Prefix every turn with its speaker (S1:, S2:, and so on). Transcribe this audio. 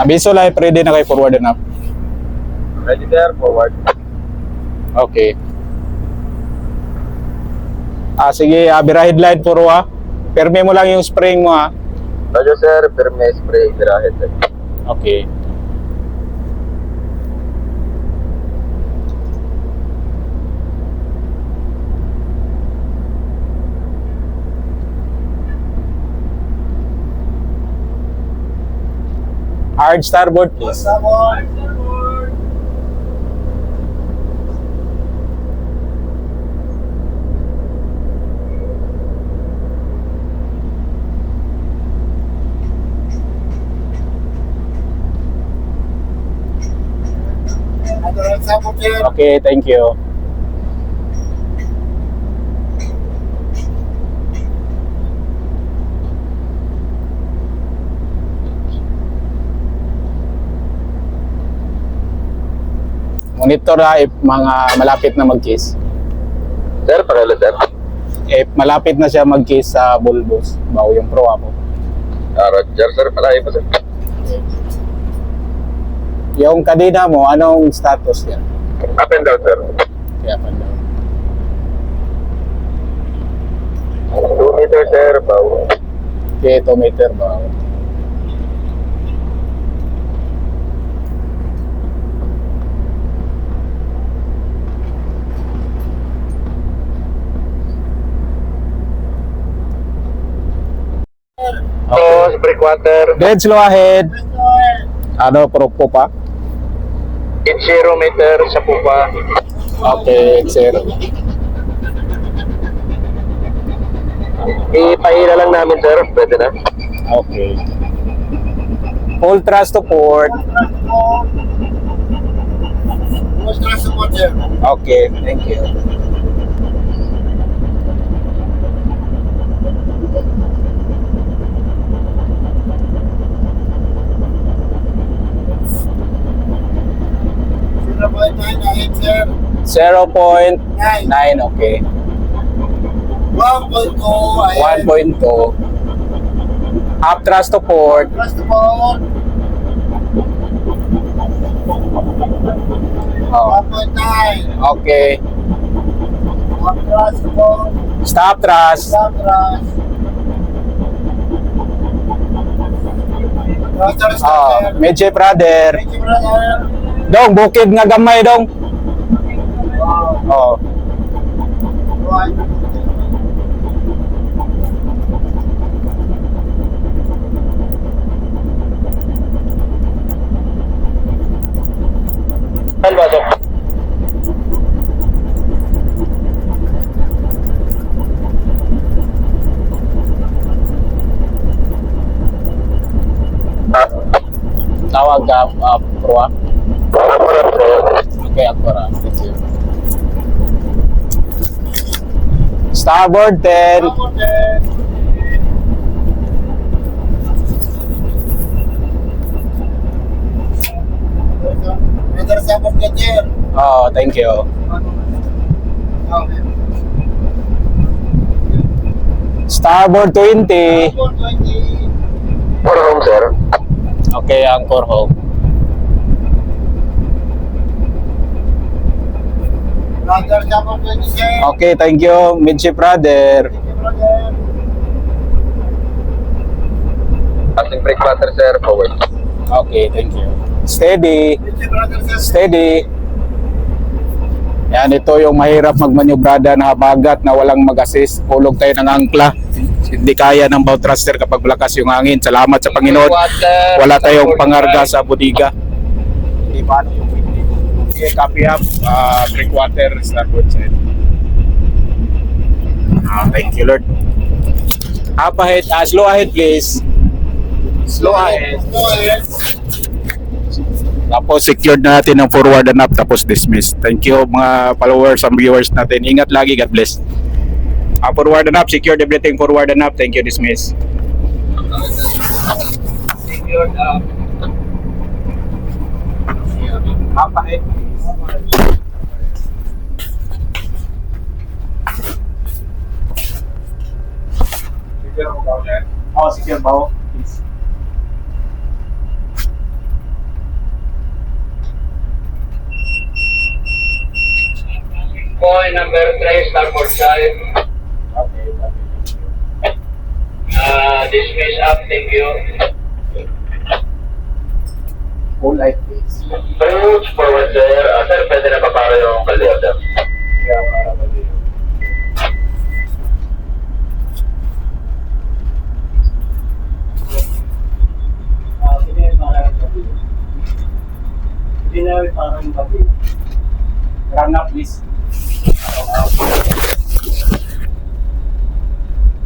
S1: Abiso live, ready na kay forward and up.
S2: Ready there, forward.
S1: Okay. Sige, bira headlight puro Perme mo lang yung spring mo
S2: Roger sir, firme spray, birahe sir.
S1: Okay. Hard starboard please. Okay, thank you. Monitor if mga malapit na mag-kiss.
S2: Sir, pakilo sir.
S1: If malapit na siya mag-kiss sa bulbos, bago yung pro mo.
S2: Roger sir, palahi po sir.
S1: Yung kadena mo, anong status niya?
S2: Up and down sir.
S1: Kaya pa daw.
S2: 2 meter sir, bawo.
S1: Okay, 2 meter bago.
S2: Tapos, breakwater.
S1: Dead slow ahead. Ano, pro po pa?
S2: 0 meter sa pupa.
S1: Okay, sir.
S2: Ipahila lang namin sir, pwede na.
S1: Okay. Full thrust to port. Okay, thank you.
S3: Sir.
S1: 0.9, okay.
S3: 1.2.
S1: 1.2. Up thrust to port. Oh,
S3: 1.9.
S1: okay. Stop thrust. Medyo brother. Dong, bukid nga gamay dong. Oh. Tawag pro. Okay, Akbara. Thank you. Starboard 10. Oh, thank you. Starboard 20.
S2: For home sir.
S1: Okay, anchor home. Okay, thank you, Midship brother.
S2: Passing breakwater sir, forward.
S1: Okay, thank you. Steady. Steady. Yan, ito yung mahirap magmanyobrada na habagat na walang mag-assist. Hulog tayo ng angkla. Hindi kaya ng bow thruster kapag malakas yung hangin. Salamat sa Panginoon. Wala tayong pangarga sa bodega. Hindi ba yung okay, copy up. Breakwater, starboard side. Thank you, Lord. Up ahead. Slow ahead, please. Slow ahead. Tapos secured na natin ang forward and up, tapos dismiss. Thank you mga followers and viewers natin. Ingat lagi, God bless. Forward and up, secured everything, forward and up. Thank you, dismiss. Secured up. Up ahead. Secure mo ba? Oh, secure ba? Please.
S2: line number 3, starboard side. Dismiss up, thank you.
S1: Full life please.
S2: Approach forward, sir. Sir, pwede na pa para yung kalyo, sir.
S1: Run up please.